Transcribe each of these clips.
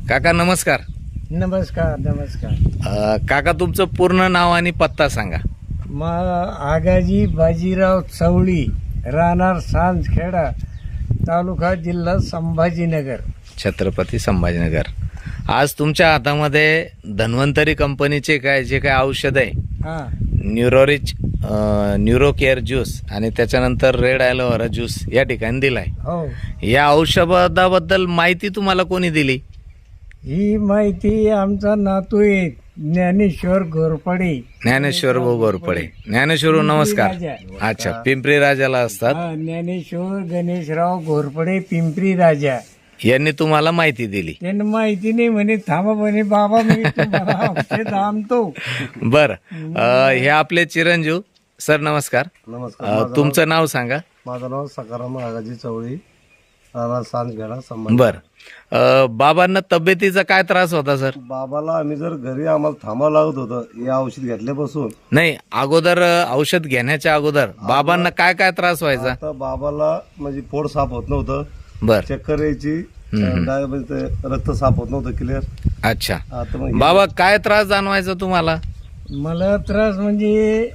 काका नमस्कार. नमस्कार नमस्कार. काका तुमचं पूर्ण नाव आणि पत्ता सांगा. आगाजी बाजीराव चवळी, राहणार सांजखेडा, तालुका जिल्हा संभाजीनगर, छत्रपती संभाजीनगर. आज तुमच्या हातामध्ये धन्वंतरी कंपनीचे जे काय औषध आहे, हा न्यूरोरिच न्यूरो केअर ज्यूस आणि त्याच्यानंतर रेड ॲलोवेरा ज्यूस या ठिकाणी दिलाय. हो. या औषधाबद्दल माहिती तुम्हाला कोणी दिली? ही माहिती आमचा नातू आहे ज्ञानेश्वर घोरपडे. ज्ञानेश्वर भाऊ घोरपडे. ज्ञानेश्वर भाऊ नमस्कार. अच्छा, पिंपरी राजाला असतात. ज्ञानेश्वर गणेशराव घोरपडे, पिंपरी राजा यांनी तुम्हाला माहिती दिली. त्यांना माहिती नाही म्हणे, थांबा म्हणे बाबा मी तुम्हाला औषध आणतो. बर, हे आपले चिरंजीव सर नमस्कार. नमस्कार. तुमचं नाव सांगा. माझं नाव सकाराम आगाजी चवळी, राहणार सांजखेडा संभाजी. बर, बाबांना तब्येतीचा काय त्रास होता सर? बाबाला आम्ही जर घरी आम्हाला थांबावं लागत होतं हे औषध घेतल्यापासून. नाही, अगोदर औषध घेण्याच्या अगोदर बाबांना काय काय त्रास व्हायचा? आता बाबाला म्हणजे पोट साफ होत नव्हतं, बर, चक्कर यायची, रक्त साफ होत नव्हतं क्लिअर. अच्छा. आता मग बाबा काय त्रास जाणवायचा तुम्हाला? मला त्रास म्हणजे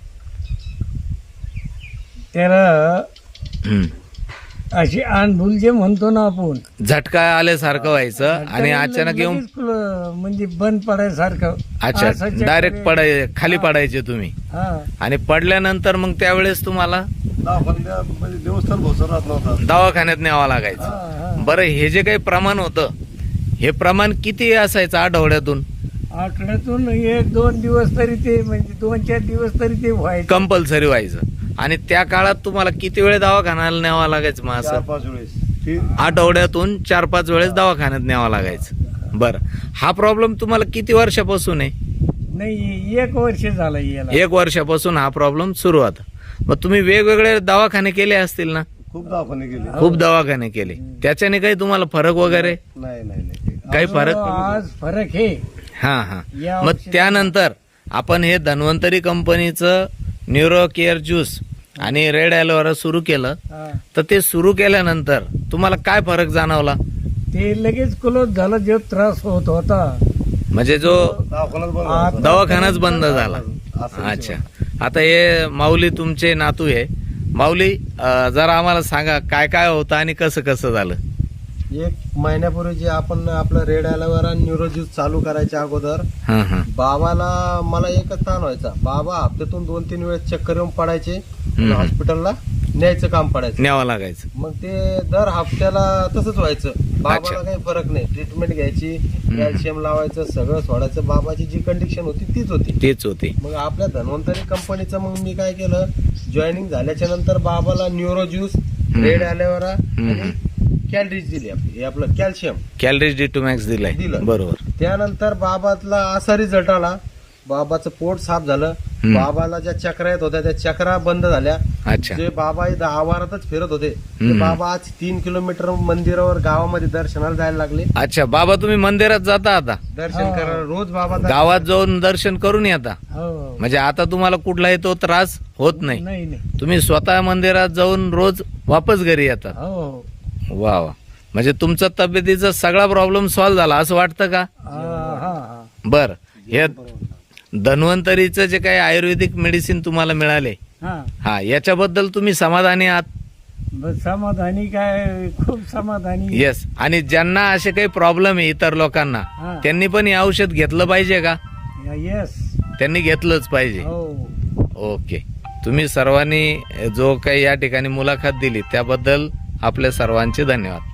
त्याला हम्म. अशी आंधुल जे म्हणतो ना आपण, झटका आल्यासारखं व्हायचं आणि अचानक येऊन लगेच म्हणजे बंद पडायसारखं. अच्छा, असं चक्कर डायरेक्ट खाली पडायचे तुम्ही. हा. आणि पडल्यानंतर मग त्यावेळेस तुम्हाला दवाखान्यात म्हणजे दिवसभर भोसर राहत नव्हता. दवाखान्यात न्यावं लागायचं. हा. बरं, हे जे काही प्रमाण होतं हे प्रमाण किती असायचं आठवड्यातून? आठवड्यातून 1-2 दिवस तरी ते म्हणजे 2-4 दिवस तरी ते व्हायचं. कंपल्सरी व्हायचं. आणि त्या काळात तुम्हाला किती वेळ दवाखान्याला न्यावं लागायचं मग असं? 4-5 वेळेस. आठवड्यातून 4-5 वेळेस दवाखान्यात न्यावं लागायचं. बरं, हा प्रॉब्लेम तुम्हाला किती वर्षापासून आहे? नाही, 1 वर्ष झालं याला. 1 वर्षापासून हा प्रॉब्लेम सुरू होता. मग तुम्ही वेगवेगळे दवाखाने केले असतील ना? खूप दवाखाने गेले. खूप दवाखाने केले. त्याच्याने काही तुम्हाला फरक वगैरे नाही नाही नाही. काही फरक? आज फरक हे हा हा. या मग औषधाने- त्यानंतर आपण हे धन्वंतरी कंपनीचं न्यूरो केअर ज्यूस आणि रेड ॲलोवेरा सुरू केलं. हा. तर ते सुरू केल्यानंतर तुम्हाला काय फरक जाणवला? ते लगेच क्लोज झालं. जो त्रास होत होता म्हणजे जो दवाखानाच बंद होता. दवाखानाच बंद झाला. असं अच्छा. आता हे माऊली तुमचे नातू आहे. माऊली, जरा आम्हाला सांगा काय काय होतं आणि कसं कसं झालं? 1 महिन्यापूर्वी जे आपण आपलं रेड ॲलोवेरा न्यूरो ज्यूस चालू करायच्या अगोदर हा हा. बाबाला मला एकच ताण व्हायचा. बाबा हप्त्यातून 2-3 वेळेस चक्कर येऊन पडायचे, हॉस्पिटलला न्यायचं काम पडायचं. न्यावं लागायचं. मग ते दर हप्त्याला तसंच व्हायचं. बाबाला काही फरक नाही. ट्रीटमेंट घ्यायची, कॅल्शियम लावायचं, सगळं सोडायचं. बाबाची जी कंडिशन होती तीच होती. तेच होते. मग आपल्या धन्वंतरी कंपनीचं मग मी काय केलं, जॉईनिंग झाल्याच्या नंतर बाबाला न्यूरो ज्यूस, रेड ॲलोवेरा आणि कॅलरीज दिली. आपली हे आपलं कॅल्शियम कॅलरीज D2 दिलाय. दिलं. बरोबर. त्यानंतर बाबाला असा रिझल्ट आला. बाबाचं पोट साफ झालं. बाबाला ज्या चक्रा येत होत्या त्या चक्रा बंद झाल्या. अच्छा. जे बाबा इथं आवारातच फिरत होते ते बाबा आज 3 किलोमीटर मंदिरावर गावामध्ये दर्शनाला जायला लागले. अच्छा, बाबा तुम्ही मंदिरात जाता आता? दर्शन करायला रोज बाबा गावात जाऊन दर्शन करून येता? हो. म्हणजे आता तुम्हाला कुठलाही तो त्रास होत नाही. नाही नाही. तुम्ही स्वतः मंदिरात जाऊन रोज वापस घरी येता? हो. वा वा. म्हणजे तुमचा तब्येतीचा सगळा प्रॉब्लेम सॉल्व्ह झाला असं वाटतं का? हा हा. बर, हे धन्वंतरीचं जे काही आयुर्वेदिक मेडिसिन तुम्हाला मिळाले, हा. हा, याच्याबद्दल तुम्ही समाधानी आहात? बस समाधानी काय, खूप समाधानी. येस. आणि ज्यांना असे काही प्रॉब्लेम आहे इतर लोकांना, हा. त्यांनी पण हे औषध घेतलं पाहिजे का? येस. त्यांनी घेतलंच पाहिजे. हो. ओके. तुम्ही सर्वांनी जो काही या ठिकाणी मुलाखत दिली त्याबद्दल आपल्या सर्वांचे धन्यवाद.